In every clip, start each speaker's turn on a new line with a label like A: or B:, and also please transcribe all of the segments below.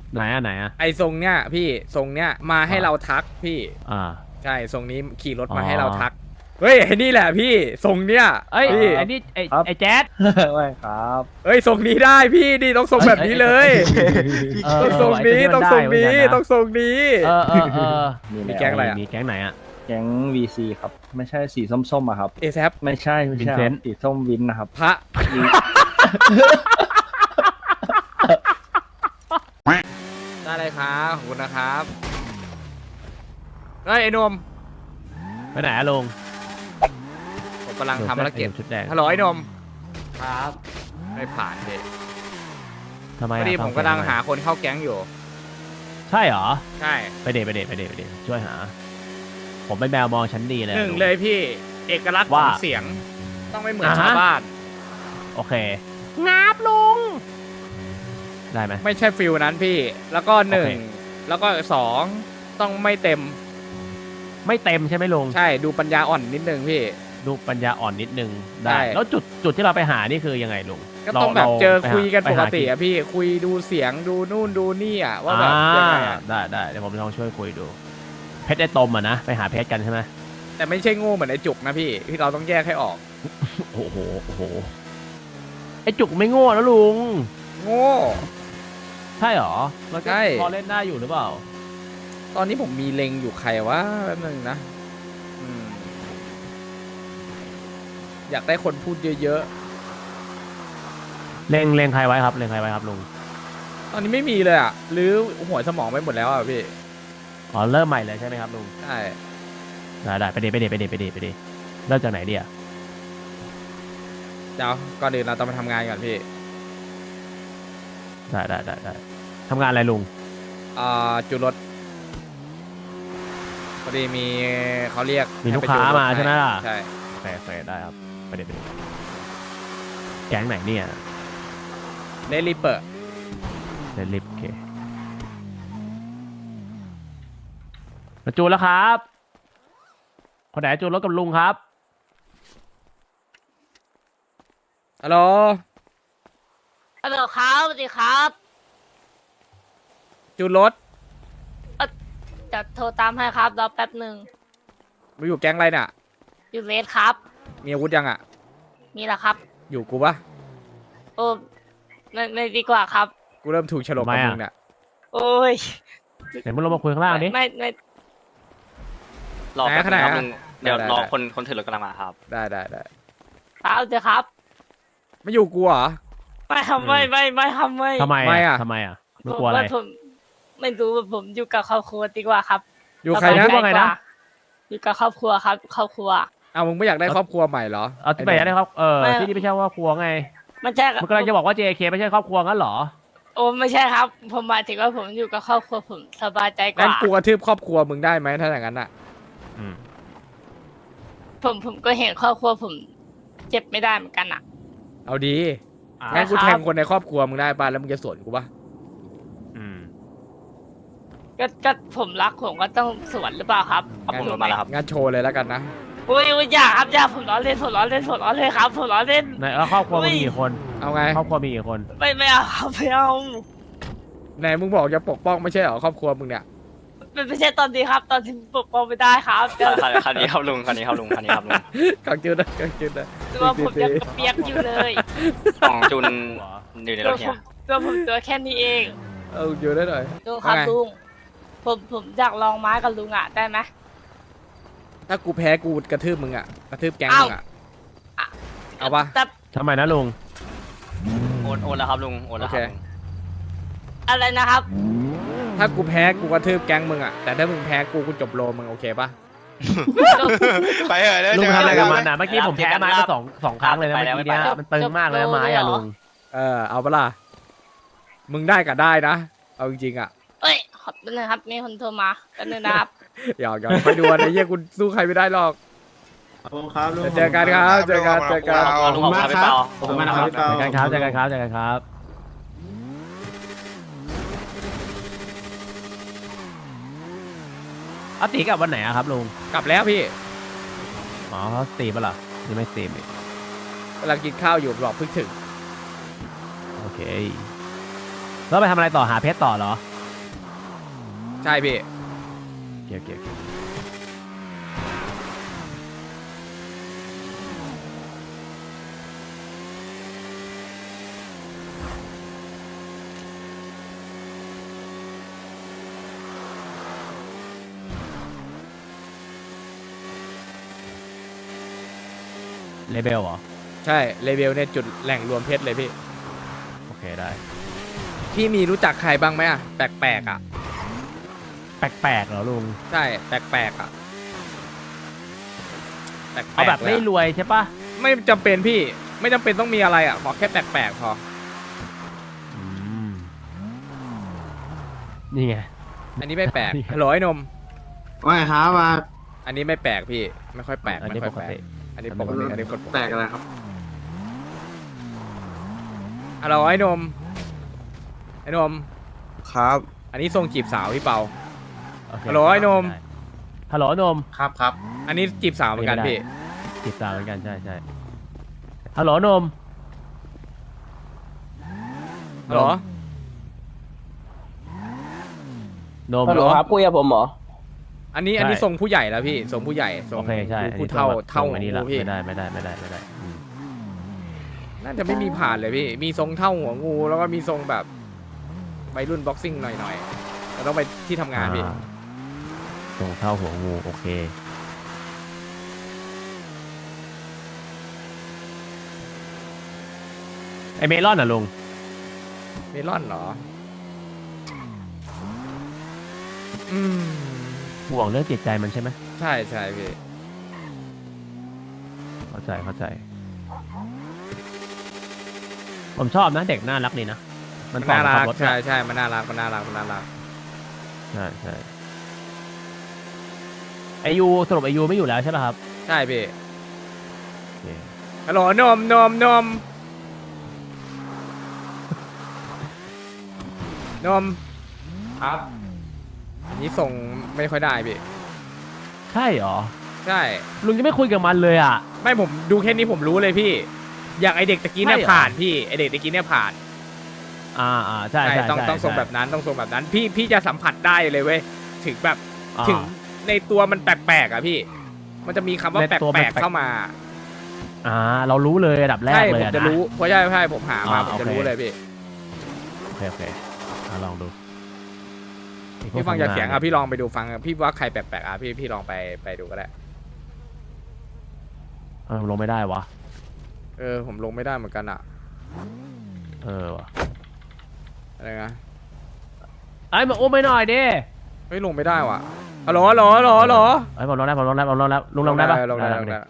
A: ไหนอะไหนอะ
B: ไอทรงเนี้ยพี่ทรงเนี้ยมาให้เราทักพี่
A: อ่า
B: ใช่ทรงนี้ขี่รถมา
A: อ๋อ
B: ให้เราทักเฮ้ยไอ้นี่แหละพี่ทรงเนี้ย
A: เอ้ย
B: พี่
A: ไอ้นี่
C: ครับ
A: ไอ้แจ๊ด
C: ไม่ครับ
B: เฮ้ยทรงนี้ได้พี่นี่ต้องทรงแบบนี้เลย
A: เออ
B: ต้องทรงนี้
A: ไอ้
B: ต้อง
A: ตัว
B: ทรงนี้
A: ได้เหมือนกันนะ
B: ต้องทรงนี้
A: เออเออเออ
B: มีแก๊งอะไรอะ
A: มีแก๊งไหนอะ
C: แก๊ง VC ครับ ไม่ใช่สีส้มๆอะครับ
B: เอแซป
C: ไม่ใช่ไม่ใช่ค
A: Vincent
C: รับสีส้มวินนะครับ
B: พระได้เลยครับขอบคุณนะครับเฮ้ยไอ้หนม
A: ไปไหนอะลุง
B: ผมกำลังทำภารกิจ
A: ชุดแดง
B: ฮัลโหลไอ้หนม
D: ครับ
B: ไม่ผ่านเลย
A: ทำไม
B: พ
A: อะ
B: อดีผมกำลังหาคนเข้าแก๊งอยู่
A: ใช่เหรอ
B: ใช่
A: ไปเดทช่วยหา ผมเป็นแมวมองชั้นดีเลย
B: หนึ่งเลยพี่เอกลักษณ์ข
A: ว่า
B: องเสียง ต้องไม่เหมือน
A: อ่าฮะ
B: ชาวบ้าน
A: โอเคงับลุงได้ไหม
B: ไม่ใช่ฟิลนั้นพี่ แล้วก็หนึ่ง
A: โอเค
B: แล้วก็สองต้องไม่เต็ม
A: ไม่เต็มใช่ไหมลุง
B: ใช่ดูปัญญาอ่อนนิดนึงพี่
A: ดูปัญญาอ่อนนิดนึง
B: ใช่
A: ได้แล้วจุดที่เราไปหานี่คือยังไงลุง
B: ก็ต้องแบบ
A: รา
B: เจอ
A: ไปหา
B: คุยกัน
A: ไป
B: ปก
A: หา
B: ติอะพี่คุยดูเสียงดูนู่นดูนี่อะว่าแบบยังไงอะ
A: ได้เดี๋ยวผมลองช่วยคุยดู เพชรไอ้ตมอ่ะนะไปหาเพชรกันใช่ไหม
B: แต่ไม่ใช่โง่เหมือนไอ้จุกนะพี่ที่เราต้องแยกให้ออก
A: โอ้โหไอ้จุกไม่โง่นะลุง
B: โง่
A: ใช่เหรอมันก็
B: ใช่
A: พอเล่นได้อยู่หรือเปล่า
B: ตอนนี้ผมมีเล็งอยู่ใครวะแป๊บนึงนะอืมอยากได้คนพูดเยอะ
A: เล็งใครไว้ครับเล็งใครไว้ครับลุง
B: ๆ ตอนนี้ไม่มีเลยอะหรือหัวสมองไปหมดแล้วอะพี่
A: อ๋อเริ่มใหม่เลยใช่ไหมครับลุง
B: ใช่
A: ได้ไปเดเริ่มจากไหนดีอ่ะ
B: เดี๋ยวก่อนอื่นเราต้องมาทำงานก่อนพี่
A: ได้ทำงานอะไรลุง
B: จูนรถพอดีมีเขาเรียก
A: มีลูก
B: ให้ไป
A: ค้า
B: จูนรถ
A: มาใช่ไหมล่ะ
B: ใช่
A: โอเคได้ครับไปเดแก๊งไหนเนี่ย
B: เลลิเปอร์
A: เดลิฟโอเคมาจูนแล้วครับ คนไหนจูนรถกับลุงครับ
B: ฮัลโหล
E: ฮัลโหลครับสวัสดีครับ
B: จูนรถ
E: จะโทรตามให้ครับรอแป๊บหนึ่ง
B: มาอยู่แก๊งอะไรเนี่ย
E: อยู่เลสครับ
B: มีอาวุธยังอ่ะ
E: มีแหละครับ
B: อยู่กูปะ
E: โอ้ไม่ดีกว่าครับ
B: กูเริ่มถูกฉลกกับมึงเนี่ย
E: โอ้ย
A: เดี๋ยวมึงลงมาคุยข้างล่างดิ
E: ไม่
D: รอแป๊บนึงครับ
B: ไหน
D: ลุงเดี๋ยว
B: ได้
D: รอ
B: ได้
D: คนถือรถกำลังมาครับ
B: ได้
E: ครับเดี๋ยวครับ
B: ไม่อยู่กูเหรอ
E: ไม่ทำไม่ทำไม่
A: ทำไม
B: ไม่อะ
A: ทำไมอ่ะมึงกลัวอะไร
E: ผมไม่รู้ว่าผมอยู่กับครอบครัวดีกว่าครับ
B: อยู่ใครนะ
E: สบยใจ
A: ว่าไงนะ
E: กอยู่กับครอบครัวครับ ครอบครัว
B: เอามึงไม่อยากได้ครอบครัวใหม่เหรอ
A: เอาที่ไหนได้ครับ
E: ไม่
A: ที่นี่ไม่ใช่ครอบครัวไง
E: มันใช่
A: มึงกำลังจะบอกว่า JK ไม่ใช่ครอบครัวงั้นเหรอ
E: โอ้ไม่ใช่ครับ ผมหมายถึงว่าผมอยู่กับครอบครัวผมสบายใจก
B: งั้น
E: ว่า
B: กูกระทืบครอบครัวมึงได้ไหมถ้าอย่างนั้นอ่ะ
A: อืม
E: ผมก็เห็นครอบครัวผมเจ็บไม่ได้เหมือนกันอ่ะ
B: เอาดี
A: อ่ะ
B: งั้นกู
E: ครับ
B: แทงคนในครอบครัวมึงได้ป่ะแล้วมึงจะสวนกูป่ะ
A: อืม
E: ก็ผมรักผมก็ต้องสวนหรือเปล่าครับ
D: ครับผมรถมาแล้วครับ
B: งั้นโชว์เลยแล้วกันนะ
E: อุ้ยอย่าครับอย่าผมล้อเล่นผมล้อเล่นครับผมล้อเล่น
A: ไหนแล้วครอบครัว
E: อุ้
A: มี
E: ย
A: กี่คน
B: เอาไง
A: ครอบครัวมีกี่คน
E: ไม่เอาครับไม่เอา
B: ไหนมึงบอกจะปกป้องไม่ใช่เหรอครอบครัวมึงเนี่ย
E: ไม่ใช่ตอนนี้ครับ ตอนที่ปกป้องไม่ได้ครับเดี๋ยว
D: คันนี้ครับลุงคันนี้ครับลุงคันนี้ครับลุง
B: กังจืดนะกังจืดนะ
E: ตัวผมยังกระเปียกอยู่เลย
D: ของจุนอยู่ในร
E: ตัว
D: ถ
E: ผ
D: เนี่ย
E: มตัวแค่นี้เอง
B: เอาอยู่ได้หน่อย
E: ลุงครับ
B: ว่าไง
E: ลุงผมอยากลองไม้กับลุงอ่ะได้ไหม
B: ถ้ากูแพ้กูกระทืบมึงอ่ะกระทืบแก๊งมึงอ่ะ
E: เอ้า
B: เอาปะ
E: แต่
A: ทำไมนะลุง
D: โอนแล้วครับลุงโอนแล้วครับ
B: โอเค
D: ลุง
E: อะไรนะครับ
B: ถ้ากูแพ้กูกระทืบแก๊งมึงอ่ะแต่ถ้ามึงแพ้กูจบโลมึงโอเคปะ
F: ไปเหอะเดี๋ยว
A: ลุง
F: เจอ
A: ทำอะไร
F: กั
A: กับ
F: น
A: มันอ่ะเมื่อกี้ผมแพ้ไม้มาสองครั้งเลยนะเมื่อกี้เนี้ยมันตึงมากเลยนะไม้อ่ะลุง
B: เอาปะล่ะมึงได้ก็ได้นะเอาจริงๆอ่ะ
E: เอ้ยขอบคุณนะครับมีคนโทรมาแป๊บนึงนะครับ
B: หยอกไปดูนะเยี่ยกูสู้ใครไม่ได้หรอก
C: ขอบคุณครับลุง
B: เจอกันครับเจอกันเจอกัน
D: ขอบคุณมากครับ
C: ขอบคุณมากครับ
A: เจอกันครับเจอกันครับอาตีกลับวันไหนอะครับลุง
B: กลับแล้วพี่
A: อ๋อเขาสตรีมปะล่ะหรือไม่สตรีมอีก
B: กำลังกินข้าวอยู่บอกเพิ่งถึง
A: โอเคแล้วไปทำอะไรต่อหาเพชรต่อเหรอ
B: ใช่พี่
A: โอเคเลเบลเหรอ
B: ใช่เลเวลเนี่ยจุดแหล่งรวมเพชรเลยพี่
A: โอเคได้
B: พี่มีรู้จักใครบ้างไหมอ่ะแปลกๆอ่ะ
A: แปลกๆเหรอลุง
B: ใช่แปลกๆอ่ะแปลกๆ
A: เอาแบบ
B: ลย
A: ไม่
B: อะ
A: รวยใช่ปะ
B: ไม่จำเป็นพี่ไม่จำเป็นต้องมีอะไรอ่ะขอแค่แปลกๆพอ
A: อืมนี่ไง
B: อันนี้ไม่แปลก
A: นี่ครับ
B: ฮัลโหลไอ้นม
G: ว่าไงครับมา
B: อันนี้ไม่แปลกพี่ไม่ค่อยแปลก
A: อัน
B: ไม่
A: นี้
B: ค่อ
A: ป
B: ย
A: ก
B: แปลก
A: ติ
B: อันนี้ปกติอันนี้กดปก
G: แปล
B: ติ
G: กอะไรครับ
B: ฮัลโหลไอ้นมไอ้นม
G: ครับ
B: อันนี้ทรงจีบสาวพี่เปา
A: โอเค
B: ฮัลโหลไอ้นม
A: ฮัลโหลนม
G: ครับครับ
B: อันนี้จีบสาวเหมือนกัน
A: ไม่ได้
B: พี่
A: ติดตามเหมือนกันใช่ฮัลโหลนม
B: ฮัลโหล
A: นม
B: ฮัลโหล
C: ครับคุยกับผมเหรอ
B: อันนี้
A: ใช่
B: อันนี้ทรงผู้ใหญ่แล้วพี่ทรงผู้ใหญ่ทรง
A: โอเคใช่
B: ผู้เท่า
A: อันนี้
B: หั
A: ละ
B: วพี่
A: ไม่ได้อืม
B: น่าจะไม่มีผ่านเลยพี่มีทรงเท่าหัวงูแล้วก็มีทรงแบบวัยรุ่นบ็อกซิ่งหน่อยๆแต่ต้องไปที่ทำงานพี่
A: ตรงเท่าหัวงูโอเคไอเมลอนอ่ะลุง
B: เมลอนเหรอ
A: ห่วงเรื่องจิตใจมันใช่ไหม
B: ใช่ใช่พี่
A: เข้าใจผมชอบนะเด็กน่ารักดีนะมัน
B: น่ารัก
A: รถ
B: ใช่ใช่มันน่ารักมันน่ารัก
A: ใช่ไอยูสรุปไอยูไม่อยู่แล้วใช่ป่ะครับ
B: ใช่พี่
A: โอเค
B: ฮัลโหลนมครับ อันนี้ส่งไม่ค่อยได้พี่
A: ใช่เหรอ
B: ใช่
A: ลุงจะไม่คุยกับมันเลยอ่ะ
B: ไม่ผมดูแค่นี้ผมรู้เลยพี่ อย่างไอเด็กตะกี้เนี่ย
A: ใช่เหรอ
B: ผ่านพี่ไอเด็กตะกี้เนี่ยผ่าน
A: ใช่ใช่
B: ต้องส่งแบบนั้นต้องส่งแบบนั้นพี่จะสัมผัสได้เลยเว้ยถึงแบบ
A: อ่า
B: ถึงในตัวมันแปลกๆอ่ะพี่ มันจะมีคำว่า
A: ใน
B: แป
A: ตัวมัน
B: ลกๆเข้ามา
A: เรารู้เลยระดับแรก
B: ใช่
A: เล
B: ผ
A: ย
B: ม
A: อะ
B: จะ
A: นะ
B: รู้เพราะใช่ผมหามาผมจะ
A: โอเค
B: รู้เลยพี่
A: โอเคลองดู
B: พี่ฟังจากเสียงอ่ะพี่ลองไปดูฟังอ่ะพี่ว่าใครแปลกๆอ่ะพี่ลองไปดูก็ได้
A: ลงไม่ได้วะ
B: ผมลงไม่ได้เหมือนกันอ่ะ
A: วะ
B: อะไรนะ
A: ไอ้มาอุ้มไปหน่อยดิ
B: เฮ้ยลงไม่ได้ว่ะฮัลโหล
A: ไอ้ผมลงแล้วลุงลงได้ปะ
B: ลงได้
A: ลงดิ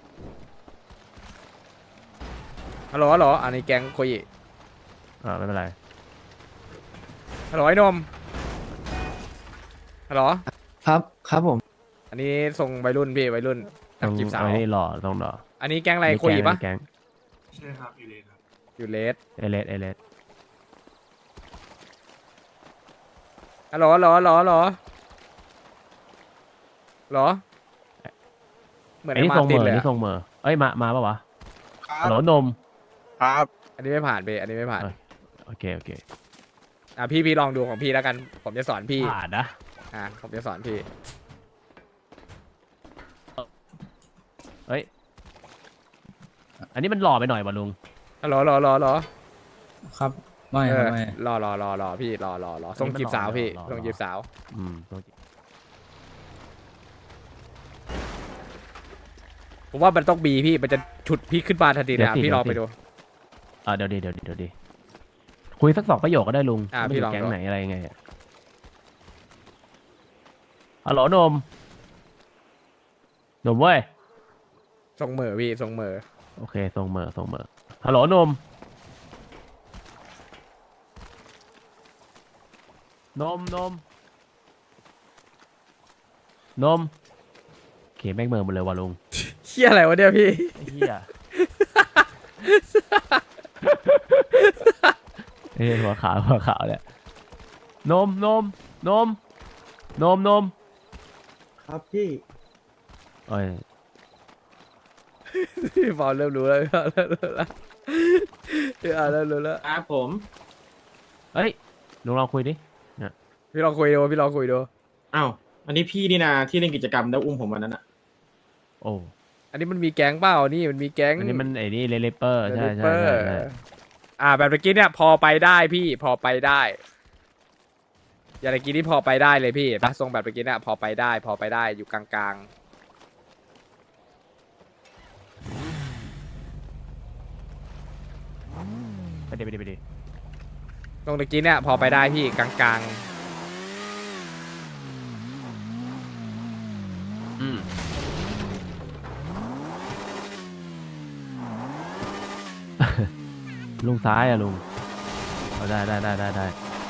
B: ฮัลโหลอันนี้แก๊งโคยิ
A: ไม่เป็นไร
B: ฮัลโหลไอ้นมฮัลโหล
C: ครับผม
B: อันนี้ส่งวัยรุ่นพี่วัยรุ่นกับจีบสาว
A: ไอ้นี่หล่อต้องหล่อ
B: อันนี้แก๊งอะไรโคยิปะ
A: แก๊ง
G: ใช่ครับอยู่เลยครับ
B: อยู่เลส
A: เอเลส
B: ฮัลโหลเหมือน
A: ไอ้
B: ไอ้
A: นี่
B: มา
A: ทรง
B: ร์
A: เห
B: ติ
A: ม
B: น
A: อ
B: เลย
A: นี่
B: อะ
A: ทรงเหมอเอ้ยมาปะวะฮัลโหลนม
G: ครับ
B: อันนี้ไม่ผ่านพี่อันนี้ไม่ผ่าน
A: โอเค
B: พี่ลองดูของพี่แล้วกัน ผมจะสอนพี่
A: ผ่านนะ
B: ผมจะสอนพี่
A: เฮ้ยอันนี้มันหล่อไปหน่อยวะลุง
B: ฮัลโหล
C: ครับไม่
B: เอ
C: ครับ
B: อ
C: ไม่
B: รอพี่รอส่งจีบสาวพี่
A: รอ
B: ส่งจีบสาว
A: ต้อง
B: ผมว่ามันต้องบีพี่มันจะฉุดพี่ขึ้นมาทันทีเลยอะ
A: เดี๋ยวสิ
B: พี่ลองไปดู
A: เดี๋ยวดีคุยสัก2 ประโยคก็ได้ลุง
B: พี่
A: ไม่
B: ลอง
A: แก๊ง
B: ดู
A: ไหนอะไรยังไงอะฮัลโหลนมเว้ย
B: ส่งเหม่อพี่ส่งเหม่อ
A: โอเคส่งเหมอฮัลโหลนมโอเคแม่งเหมอหมดเลยว่ะลุง
B: เฮียอะไรวะเนี่ยพี่
A: ไอ้เหี้ยเฮ้ยหัวขาวเนี่ยนม
C: ครับพี่
A: เอ้ย
B: พี่ฟอลเริ่มรู้แล้วพี่เริ่มรู้แล้ว
G: ครับผม
A: เอ้ยลุงลองคุยดิเนี่ย
B: พี่ลองคุยดูพี่ลองคุยดู
H: อ้าว อันนี้พี่นี่นะที่เล่นกิจกรรมแล้วอุ้มผมวันนั้นอะ
A: โอ้
B: อันนี้มันมีแก๊งเปล่านี่มันมีแก๊ง
A: อันนี้มันไอ้นี่เลเปอร์ใช่
B: เป
A: ใช่
B: อร์
A: ใช่ใช่
B: แบบเมื่อกี้เนี่ยพอไปได้พี่พอไปได้อย่างเมื่อกี้นี่พอไปได้เลยพี่นะทรงแบบเมื่อกี้เนี่ยพอไปได้ พอไปได้อยู่กลาง
A: ไปดิไปดิไปดิ
B: ๆตรงเมื่อกี้เนี่ยพอไปได้พี่กลาง
A: อืม ลุงซ้ายอะลุงเอาได้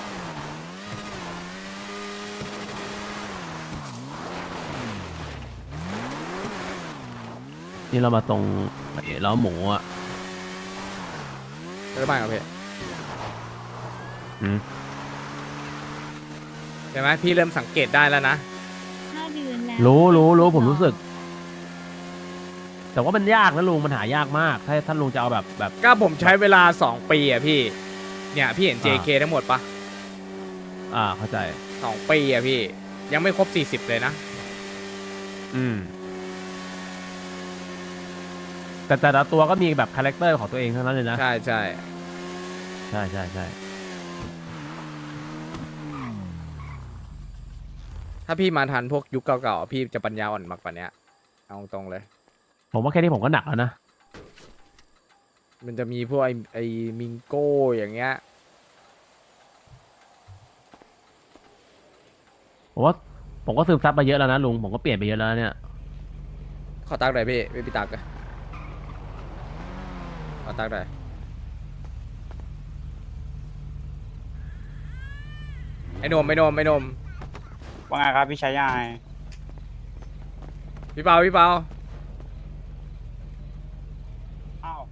A: นี่เรามาตรงไอ้ล้อหมูอ่ะ
B: ๆได้ไหมครับพี่
A: อืม
B: ใช่ไหมพี่เริ่มสังเกตได้แล้วนะ
I: 5 เดือนแล้ว
A: รู้ผมรู้สึก แต่ว่ามันยากนะลุงมันหายากมาก ถ้าลุงจะเอาแบบ
B: ก็ผมใช้เวลา2 ปีอะพี่เนี่ยพี่เห็น JK ทั้งหมดปะ
A: เข้าใจ
B: 2 ปีอะพี่ยังไม่ครบ40เลยนะ
A: อืมแต่ละตัวก็มีแบบคาแรคเตอร์ของตัวเองทั้งนั้นเลยนะ
B: ใช่ใช่
A: ใช่
B: ถ้าพี่มาทันพวกยุคเก่าๆพี่จะปัญญาอ่อนมากกว่านี้เอาตรงเลย
A: ผมว่าแค่นี้ผมก็หนักแล้วนะ
B: มันจะมีพวกไอ้มิงโก้อย่างเงี้ย
A: ผมก็ซึมซับมาเยอะแล้วนะลุงผมก็เปลี่ยนไปเยอะแล้วเนี่ย
B: ขอตักหน่อยพี่ไม่พี่ตักอะขอตักหน่อยไอ้หนม
H: ว่าไงครับพี่ชายใหญ่
B: พี่เปา
H: อ้าว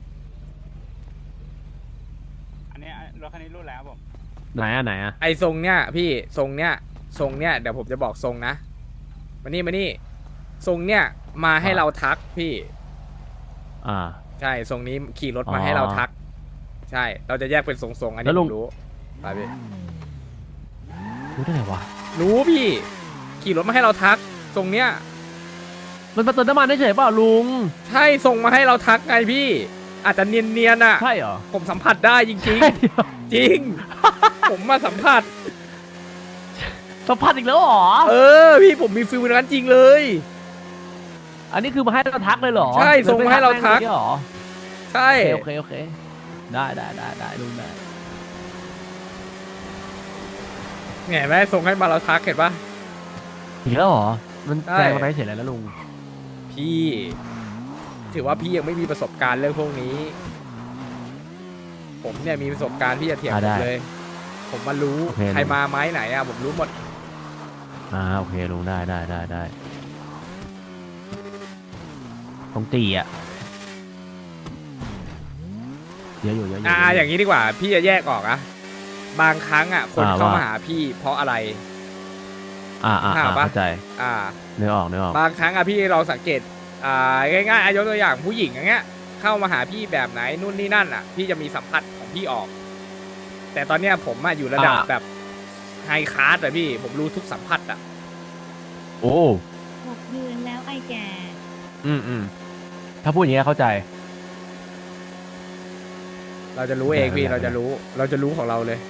H: อันนี้รถคันนี้รุ่นแล้วผม
A: ไหนอะ
B: ไอ้ทรงเนี้ยพี่ทรงเนี้ยเดี๋ยวผมจะบอกทรงนะมานี่ทรงเนี้ยมาให้เราทักพี่
A: อ่า
B: ใช่ทรงนี้ขี่รถมาให้เราทัก ใช่เราจะแยกเป็นทรงๆอัน
A: แล้
B: นี้
A: วลุ
B: ผ
A: ง
B: มรู้ไปพี่
A: รู้ได้ไงวะ
B: รู้พี่ขี่รถมาให้เราทักทรงเนี้ย
A: มันมาเติมน้ำมันได้เฉยเปล่าลุง
B: ใช่ส่งมาให้เราทักไงพี่ อาจจะเนียนๆอ่ะ
A: ใช่เหรอ
B: ผมสัมผัสได้จริง
A: ใช่เหรอ
B: ๆ จริง ผมมาสัมผัส
A: สัมผัสอีกแล้วเหรอ
B: พี่ผมมีฟิลนั้นจริงเลย
A: อันนี้คือมาให้เราทักเลยเหรอ
B: ใช่ส่งมาให้เราทัก
A: เลยไม่ทักแม่งเลยเหรอ
B: ใช่
A: โอเคได้ลุงได้
B: เห็นไหมส่งให้มาเราทักเห็นปะ
A: อีกแล้วเหรอมัน
B: ใช่
A: แซงมาไปเฉยแล้วลุง
B: พี่ ถือว่าพี่ยังไม่มีประสบการณ์เรื่องพวกนี้ ผมเนี่ยมีประสบการณ์ที่จะเถียงผมเลย ผมมารู้ใครมาไม้ไหนอ่ะผมรู้หมด
A: โอเคลุงได้ต้องตีอ่ะเยอะอยู่
B: อย่างนี้ดีกว่า พี่จะแยกออกอะบางครั้งอะคนเข้ามาหาพี่เพราะอะไร
A: เข้าใจ
B: อ่า
A: เนื้อออก
B: บางครั้งอะพี่เราสังเกตง่ายๆยกตัวอย่างผู้หญิงอย่างเงี้ย เข้ามาหาพี่แบบไหนนู่นนี่นั่นอะพี่จะมีสัมผัสของพี่ออก แต่ตอนเนี้ยผมอะอยู่ระดับแบบไฮคลาสอะพี่ผมรู้ทุกสัมผัสอะ
A: โอ้
I: 6 เดือนแล้วไอ้แก่
A: ถ้าพูดอย่างนี้เข้าใจ
B: เราจะรู้เองพี่
A: ได้
B: เราจะรู้ของเราเลย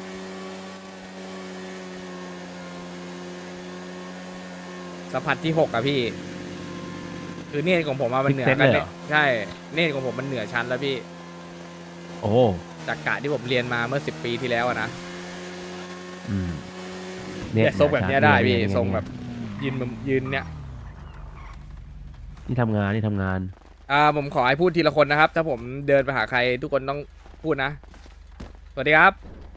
B: สัมผัสที่6อะพี่ คือเนตรของผมอะมันเหนือ
A: Sixth
B: กัน
A: sense เลย
B: เนี่
A: เหร
B: ย
A: อ
B: ใช่ เนตรของผมมันเหนือชั้นแล้วพี่
A: โอ้
B: จากกะที่ผมเรียนมาเมื่อ10 ปีที่แล้วอะนะ
A: เนี่ย
B: ทรงแบบเนี้ยได้พี่
A: เนี่ย
B: ทรงแบบยืนเนี่ย
A: นี่ทำงาน
B: ผมขอให้พูดทีละคนนะครับ ถ้าผมเดินไปหาใครทุกคนต้องพูดนะ สวัสดีครับ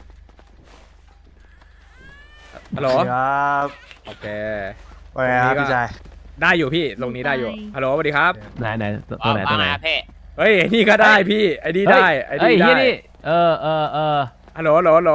B: ฮัลโหล
H: ครับ
B: โอเค
H: ว่าไงครับพี่ชาย
B: ได้อยู่พี่ตรงนี้ได้อยู่ ฮัลโหลสวัสดีครับ
A: ไหนตัวไหน
B: เฮ้ยไอ้นี่ก็ได้พี่ไอ้นี่ได้ไอ้
A: เฮ้ย
B: นี่ได้
A: นี่
B: ฮัลโหล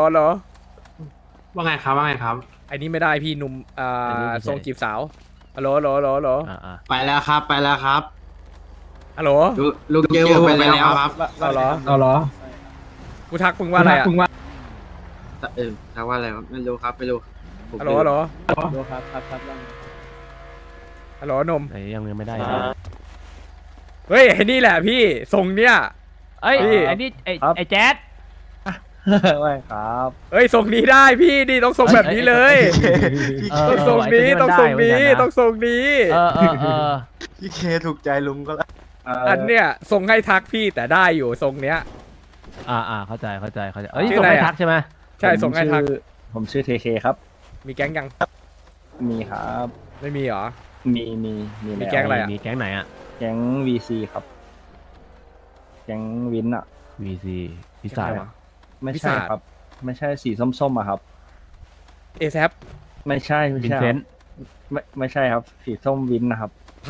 G: ว่าไงครับว่าไงครับ
B: ไอ้นี่ไม่ได้พี่หนุ่ม
A: อันนี้ไม่ใช่
B: ทรงจีบสาวฮัลโหล
G: ไปแล้วครับไปแล้วครับ
B: ฮัลโหล
G: ลูกเกลไปแล้วครับ
B: เอาเหรอ
C: เอาเหรอ
B: กูทักมึงว่าอะไรอ่ะ
G: ถามว่าอะไรวะไม่รู้ครับไม่รู้ผม
B: ฮัลโหลฮัลโหล
C: ดูครับครับครับ
B: ฮัลโหลหนม
A: ไหนยังไม่ได้
B: เฮ้ยไอ้นี่แหละพี่ทรงเนี้ย
A: เอ้ย
B: พี่
A: ไอ้นี่ไอ้แจ๊ด
C: ไม่ครับ
B: เฮ้ยทรงนี้ได้พี่นี่ต้องทรงแบบนี้เลย ต้องทรงนี้ต้องทรงนี้ต้องทรงนี้
A: เออ
C: พี่เคถูกใจลุงก็แล้ว
B: อันเนี้ยทรงให้ทักพี่แต่ได้อยู่ทรงเนี้ย
A: เข้าใจเอ้ย
B: ชื่อ
A: ส่ง
B: อะไร
A: ให้
B: อะ
A: ทักใช่ไหม
B: ใช่ทรงให้ทัก
C: ผมชื่อเทเคครับ
B: มีแก๊งยัง
C: มีครับ
B: ไม่มีเหรอ
C: มี
B: มีแก๊งอะไรอะ
A: มีแก๊งไหนอะ
C: แก๊ง VC ครับ แก๊งวินอะ
A: VC พิศาจ
C: ไม่
B: วิ
C: ใช่
B: สา
C: ครับ ไม่ใช่สีส้มๆอะครับ
B: เอแซป
C: ไม่ใช่ไม่
A: วิน
C: ใช่
A: เซ
C: ครั
A: น
C: บไม่ใช่ครับ สีส้มวินนะครับ
B: พระ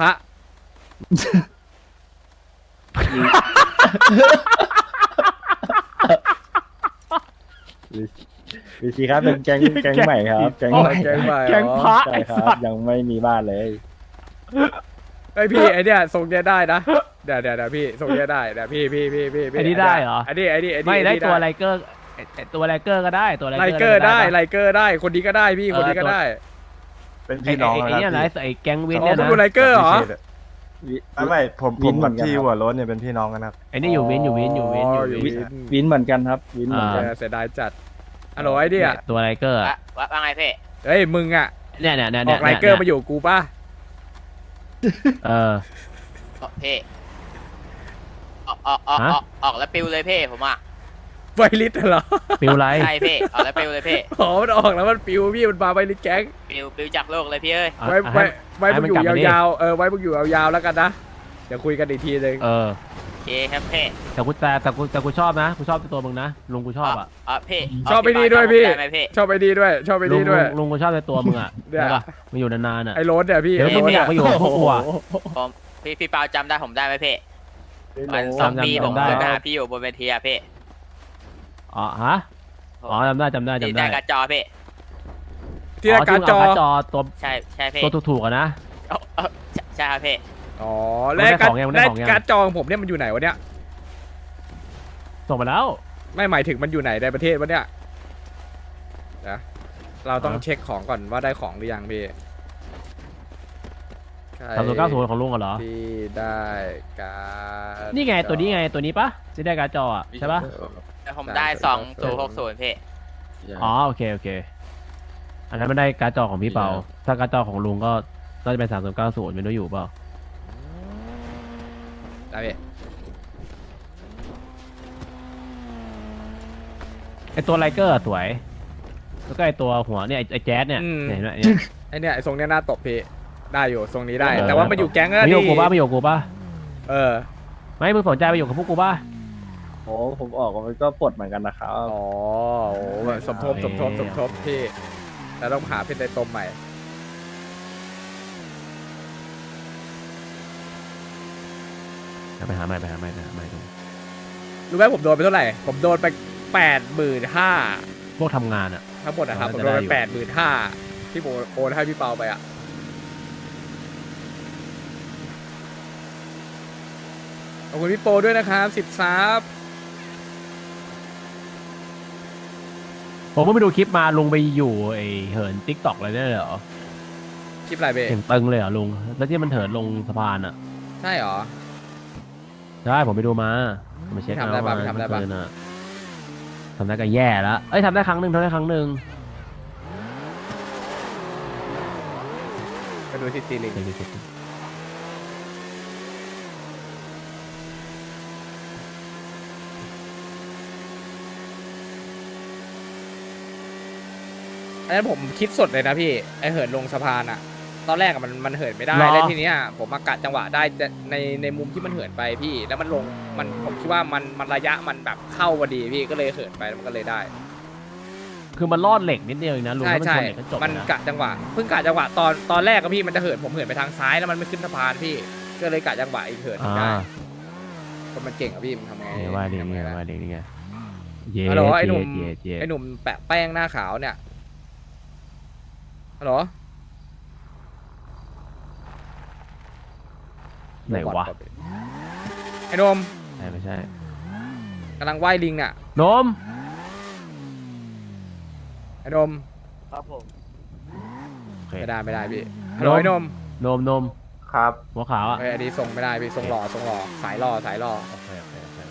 C: VC ครับเป็นแก๊งใหม่ครับ แก๊ง
B: โอ้
C: ใหม่
B: ยแก๊งใหม่
A: แก๊งพระ
C: ใช่
A: ไอ้
C: ครั
A: สั
C: บ
A: ส
C: ยังไม่มีบ้านเลย
B: ไอพี่ไอเนี้ยทรงเนี้ยได้นะเดี๋ยวพี่ทรงเนี้ยได้เดี๋ยวพี่
A: อันนี้ได้เหรอ
B: อันนี้
A: ไม่ได้ตัวไลเกอร์ไอ้ตัวไลเกอร์ก็ได้ตัวไล
B: ไลเกอร์ได้ไลเกอร์ได้คนนี้ก็ได้พี่คนนี้ก็ได้
C: เป็น
A: ไอ้
C: พี่น้อง
A: ไอ้เนี่ยนะไอ้แก๊งวิน
B: อ๋อ
A: เนี่ย
B: มัน
A: นะ
B: ดูไลเกอร์เหรอ
C: ไม่ผมกับพี่หัวโล้นเนี่ยเป็นพี่น้องกันครับ
A: ไอ้นี่อยู่วิน
B: อ๋ออยู่วิน
C: วินเหมือนกันครับ วินเหมือนกัน
B: เสียดายจัดฮัลโหลไอเดีย
A: ตัวไลเกอร์
D: ว่าไงพี่
B: เฮ้ยมึงอ่ะ
A: เนี่ย
B: ออกไลเกอร์มาอยู่กูป่ะ
A: เออ
D: พี่ออกแล้วปิวเลยพี่ผมอ่ะ
B: ไวลิสเหรอ
A: ปิวไร
D: ใช่พี่ออกแล้วปิวเลยพี่
B: อ๋อมันออกแล้วมันปิวพี่มันมาไวลิสแก๊ง
D: ปิวจากโลกเลยพี่เอ้ย
B: ไว้มึงอยู่ยาวๆไว้มึงอยู่ยาวๆแล้วกันนะเดี๋ยวคุยกันอีกทีนึง
A: เออ
D: โอเคครับพี่
A: แต่กูชอบนะกูชอบตัวมึงนะลุงกูชอบอ่ะ
D: พี่
B: ชอบไปดีด้วยพี่
D: ได้ไหมพี่
B: ชอบไปดีด้วยชอบไปดีด้วย
A: ลุงกูชอบในตัวมึงอ่ะ
B: เนี่ย
A: ใช่ป่ะมึงอยู่นานๆอ่ะ
B: ไอ้โรสเนี่ยพี่
A: เดี๋ยวมึงอยากไปอยู่กับพวกกูอ่ะ
D: พี่เปาจำได้ผมได้ไหมพี่
C: ไม่รู้
D: วัน2 ปีผม
A: จำได้
D: เคยไปหาพี่อยู่บนเวทีอะพี่
A: อ๋อฮะอ๋อจำได้
D: ที่ได้กระจอพี่
B: ที่ได้การ์ดจอ
A: จอตัว
D: ใช่พี่
A: ตัวถูกๆอะนะ
D: ใช่ครับพี่
B: อ๋อแล้วการ์ดจอของผมเนี่ยมันอยู่ไหนวะเนี่ย
A: ส่งมาแล้ว
B: ไม่หมายถึงมันอยู่ไหนในประเทศวะเนี่ยนะเราต้องเช็คของก่อนว่าได้ของหรือยังพี่
A: 3090ของลุงเหรอ
B: ที่ได้การ
A: นี่ไงตัวนี้ไงตัวนี้ปะที่ได้การ์ดจออ่ะใช่ปะ
D: ผมได้2060พี่
A: อ๋อโอเคอันนั้นไม่ได้การ์ดจอของพี่เปาถ้าการ์ดจอของลุงก็น่าจะเป็น3090ไม่รู้อยู่เปล่า
B: ได้พี่
A: ไอตัวไลเกอร์สวยแล้วก็ไอตัวหัวเนี่ยไอแจ๊สเนี่ยเห็นไหมเนี่ย
B: ไอเนี่ยไอทรงเนี้ยน่าตบพี่ได้อยู่ทรงนี้ได้ แต่ว่ามันอยู่แก๊งแล้ว
A: ไม่
B: ดิ
A: อยู่กูป่ะไม่อยู่กูป่ะ
B: เออ
A: ไม่มึงสนใจไปอยู่กับพวกกูป่ะ
C: โอ้ผมออกมันก็ปลดเหมือนกันนะครับ
B: อ๋อโอ้สมทบพี่แล้วต้องหาเพชรในตมใหม่
A: ไปหาใหม่ดู
B: รู้ไหมผมโดนไปเท่าไหร่ผมโดนไป85,000
A: พวกทำงานอ่ะ
B: ทั้งหมดนะครับ
A: อ๋
B: ผ
A: อ
B: มโดนไป
A: จะได้อยู่
B: 85,000ที่ผมโอนให้พี่เปาไปอ่ะขอบคุณพี่โปด้วยนะครับ10ซับ
A: ผมก็ไปดูคลิปมาลุงไปอยู่ไอเหินติ๊กต็อกอะไรได้เลยเหรอ
B: คลิปอะไรเบ้
A: เสียงตึงเลยเหรอลุงแล้วที่มันเหินลงสะพานอ่ะ
B: ใช่เหรอ
A: ใช่ผมไปดูมาเช็ค
B: ทำได้ปะทำได้ปะ
A: เมื่อคืนอะทำได้ก็แย่แล้วเอ้ยทำได้ครั้งหนึ่ง
B: ไปดูที่ซีลิง อันนั้นผมคิดสดเลยนะพี่ไอเหินลงสะพานอะตอนแรกอะมันเหินไม่ได้แล้วทีเนี้ยผมมากะจังหวะได้ในมุมที่มันเหินไปพี่ แล้วมันลงผมคิดว่ามันระยะมันแบบเข้าพอดีพี่ก็เลยเหินไปแล้วมันก็เลยได้
A: คือมันรอดเหล็กนิดเดียวเองนะลุง
B: ใช่
A: ถ้ามัน
B: ใช่
A: ชนเหล็กก็จบ
B: มัน
A: นะ
B: กะจังหวะเพิ่งกะจังหวะตอนแรกก็พี่มันจะเหินผมเหินไปทางซ้ายแล้วมันไม่ขึ้นสะพานพี่ก็เลยกะจังหวะอีกเหินไม่ได้คนมันเก่งอะพี่มันทำไง
A: เนี่ยว่าเด็ก
B: ทำ
A: นี่
B: ไง
A: ไง
B: ล่ะ
A: ว่าเด็กนี่ไงเย่
B: ฮัลโหลไอ้หนุ่ม
A: เย่
B: ไอ้หนุ่มแปะแป้งหน้าขาวเนี่ยฮัลโหล
A: ไหนวะ
B: ไอ้นม
A: ไม่ใช่
B: กำลังว่ายลิงเนี่ย
A: นม
B: อ้นม
C: ครับผม
A: โอเค
B: ไม่ได้พี่ฮัลโหลไอ้นม
A: นม
C: ครับ
A: หัวขาวอ่ะ
B: เอ้ยอันนี้ส่งไม่ได้พี่ส่งหล่อสายหล่อ
A: โอเคโอเคโอเค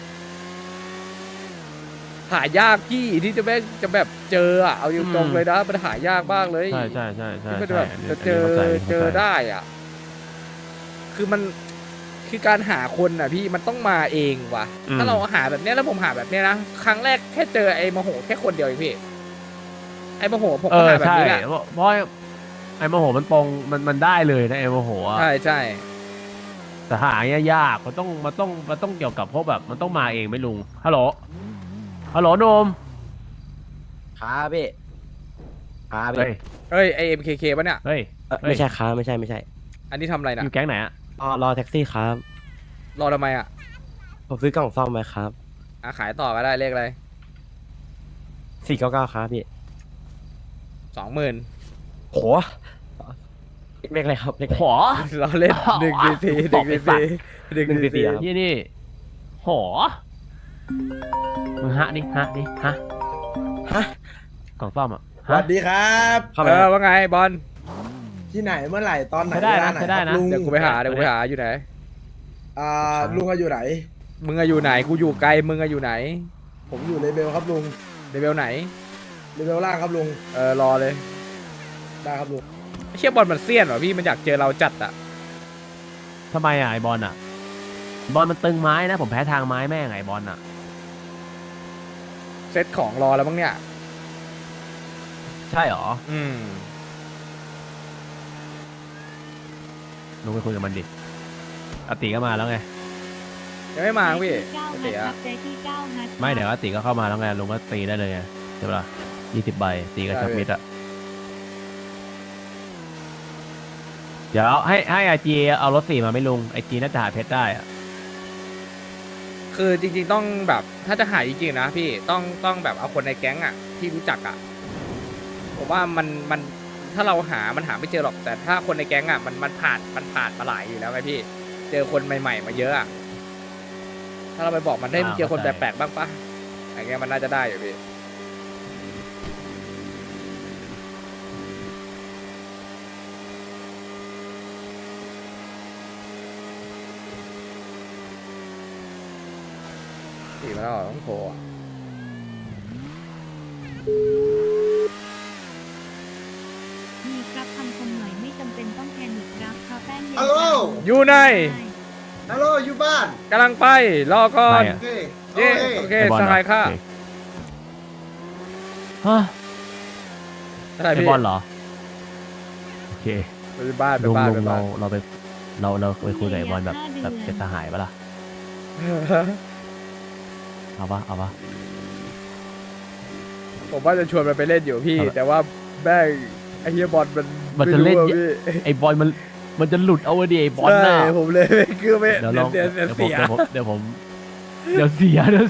B: หายากพี่ที่จะแบบเจออะเอาตรงๆเลยนะมันหายากมากเลย
A: ใช่ที่มัน
B: แบบ
A: อันนี้
B: จะเจอ
A: ข้าใจ
B: เจอได้อ่ะ คือมันคือการหาคนอ่ะพี่มันต้องมาเองว่ะ ถ้าเราหาแบบเนี้ยแล้วผมหาแบบเนี้ยนะครั้งแรกแค่เจอไอ้มโหแค่คนเดียวเองพี่ไอ้มโหผม
A: เอ
B: ก็
A: อ
B: หาแบบ
A: ใช่
B: นี้แหละ
A: เพราะไอ้โมโหมันตรงมันได้เลยนะไอ้โมโหอ่ะ
B: ใช่
A: แต่หาเนี่ยยากมันต้องเกี่ยวกับพวกแบบมันต้องมาเองไหม่ลุงฮัลโหลนม
C: ครับพี่ครับ
A: เฮ้ย
B: เฮ้ยไอ้ MKK ป่ะเนี่ย
A: เฮ้ย
C: ไม่ใช่ครับไม่ใช่
B: อันนี้ทำอะไรนะ
A: อยู่แก๊งไหนอ่ะ
C: รอแท็กซี่ครับ
B: รอทำไมอ่ะ
C: ผมซื้อกล่องซ่อมไว้ครับ
B: ขายต่อก็ได้เลขอะไร
C: 499ครับพี่
B: 20,000
C: โหเล็กอะไรครับเล็ก
A: หอ
B: เราเล่น1 DT 1 DT
C: ครับ
A: นี่หอมึงฮะกล่องซ่อมอ่ะ
J: สวัสดีครับ
C: เข้าไปครับ
B: ว่าไงบอล
J: ที่ไหนเมื่อไหร่ตอนไหน
A: ใช้ได้
J: เว
A: นะ
J: ลาไหน
A: ใช้ได้
J: ครั
A: นะ
J: บลุง
B: เดี๋ยวกูไปหาอยู่ไหน
J: ลุงอะอยู่ไหน
B: มึงอะอยู่ไหนกูอยู่ไกลมึงอะอยู่ไหน
J: ผมอยู่เลเบลครับลุง
B: เลเวลไหน
J: เลเบลล่างครับลุง
B: รอเลย
J: ได้ครับลุง
B: ไอ้เชี่ยบอลมันเซียนว่ะพี่มันอยากเจอเราจัดอ่ะ
A: ทำไมอ่ะไอบอลอ่ะบอลมันตึงไม้นะผมแพ้ทางไม้แม่งไอบอลอ่ะ
B: เซตของรอแล้วมั้งเนี่ย
A: ใช่หรอ ลุงไปคุยกับมันดิอติก็มาแล้วไง
B: ยังไม่มาพี่
I: เก้า
B: โอ
I: ฮั
B: เค
I: ทครั
B: อะ
I: บใจที่เก้าฮัท
A: ไม่เดี๋ยวอติก็เข้ามาแล้วไงลุงก็ตีได้เลยไงใช่ปะล่ะ20 ใบตีกับชักมิดอ่ะเดี๋ยวให้ไอจีเอารถ4มาไม่ลุงไอจีน่าจะหาเพชรได้อ่ะ
B: คือจริงๆต้องแบบถ้าจะหาจริงๆนะพี่ต้องแบบเอาคนในแก๊งอ่ะที่รู้จักอ่ะผมว่ามันถ้าเราหามันหาไม่เจอหรอกแต่ถ้าคนในแก๊งอ่ะมันผ่านมาหลายอยู่แล้วไงพี่ เจอคนใหม่ๆมาเยอะอ่ะถ้าเราไปบอกมันได้มึงเจอคนแปลกๆบ้างปะอย่างเงี้ยมันน่าจะได้อยู่พี่ตีมาแล้วเหรอต้องโทรอ่ะ
I: มีครับคำคมหน่อยไม่จำเป็นต้องแพนิคครับเพราะแป้งเย็น
J: ฮัลโหล
B: อยู่ใน
J: ฮัลโหลอยู่บ้าน
B: กำลังไปรอก่อน
A: ไม่
J: โอเค
B: เย้โอเค
A: ไอบอล
B: ส
A: เหรอ
B: หายค่ะ
A: โอเคฮะ
B: อะไร
A: ไอ
B: พี่
A: บอลเหรอโอเค
B: ไปบ้านไป
A: ลุง
B: บ้าน
A: ลุ
B: ไป
A: ง
B: บ้าน
A: เราไปคุยกับไอบอลแบบเป็นสหายปะล่ะเอาปะ
B: ผมว่าจะชวนมันไปเล่นอยู่พี่
A: เอาละ
B: แต่ว่าแม่งไอ้เฮียบอลมัน
A: จะเล่น
B: ไม่รู้อะพี่
A: ไอบอลมันจะหลุดเอาไว้ดิไอบอลน่ะ
B: ใช่ผมเลยไม่คือไม่
A: เดี๋ยวลอง
B: เดี๋ยว
A: เดี๋ยวผ
B: เสี
A: ม
B: ย
A: เดี๋ยวเสียเดี๋ยว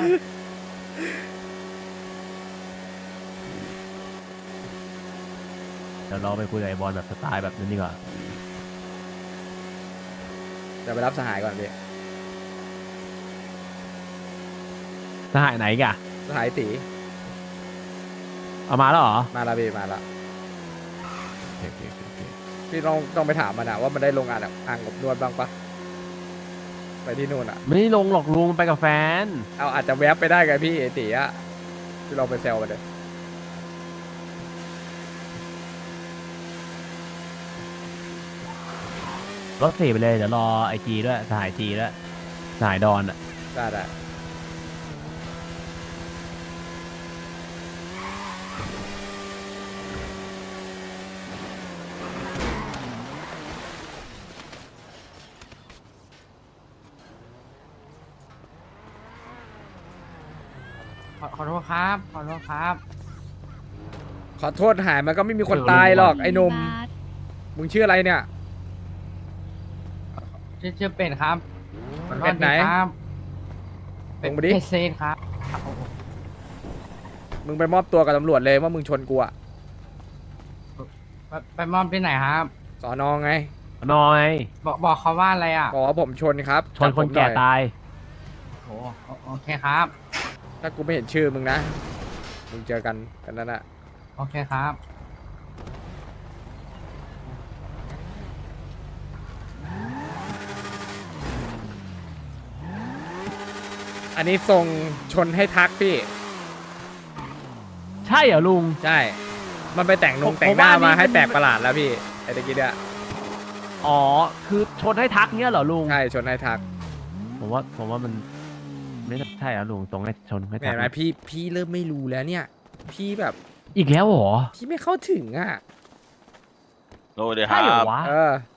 A: เราไปคุยกับไอบอลแบบสไตล์แบบนั้นดีกว่า
B: เดี๋ยวไปรับสหายก่อนพี่
A: สหายไหนกะ
B: สหายตี
A: เอามาแล้วเหรอ
B: มาละพี่มาละ
A: โอเค
B: พี่ต้องไปถามมันอะว่ามันได้ลงอ่างอบนวดบ้างปะไปที่นู่นอะ
A: ไม่ได้ลงหรอกลุงไปกับแฟน
B: เอาอาจจะแวบไปได้ไงพี่ไอ้ตีอะพี่ลองไปแซวมันเลย
A: รถ4ไปเลยเดี๋ยวรอไอจีด้วยสหายจีด้วยสหายดอนอ่ะ
B: ได้
C: ขอโทษครับ
B: ขอโทษหายมันก็ไม่มีคนตายหรอกไอ้หนม
I: บาส
B: มึงชื่ออะไรเนี่ย
C: ชื่อเป็ดครับ
B: เป็ดไหน
C: เป็ด
B: ลงมาดิ
C: เซนครับ
B: มึงไปมอบตัวกับตำรวจเลยว่ามึงชนกูอะ
C: ไปมอบที่ไหนครับ
B: สอนอไง
A: น้อย
C: บอกเขาว่าอะไรอ่ะ
B: บอกว่าผมชนครับ
A: ชนคนแก่
B: จับผมหอย
A: ตาย
C: โอเคครับ
B: ถ้ากูไม่เห็นชื่อมึงนะลุงเจอกันนั่นน่ะ
C: โอเคครับ
B: อันนี้ทรงชนให้ทักพี่
A: ใช่เหรอลุง
B: ใช่ มันไปแต่งนง
A: ผม
B: แต่งหน้า
A: ว่าอันนี้
B: มาให้
A: มัน
B: แปลกประหลาดแล้วพี่ไอ้ตะกี้เนี่ย
A: อ๋อ คือชนให้ทักเนี้ยเหรอลุง
B: ใช่ชนให้ทัก
A: ผมว่ามันไม่ใช่เหรอลุงตรงให้ชนให้ทั
B: เห็
A: ก
B: นไหมพี่เริ่มไม่รู้แล้วเนี่ย พี่แบบ
A: อีกแล้วเหรอ
B: พี่ไม่เข้าถึงอ่ะ
F: โอ้เดี๋ยวค
A: ใช่เหร
F: รั
A: อบ วะ
B: เออ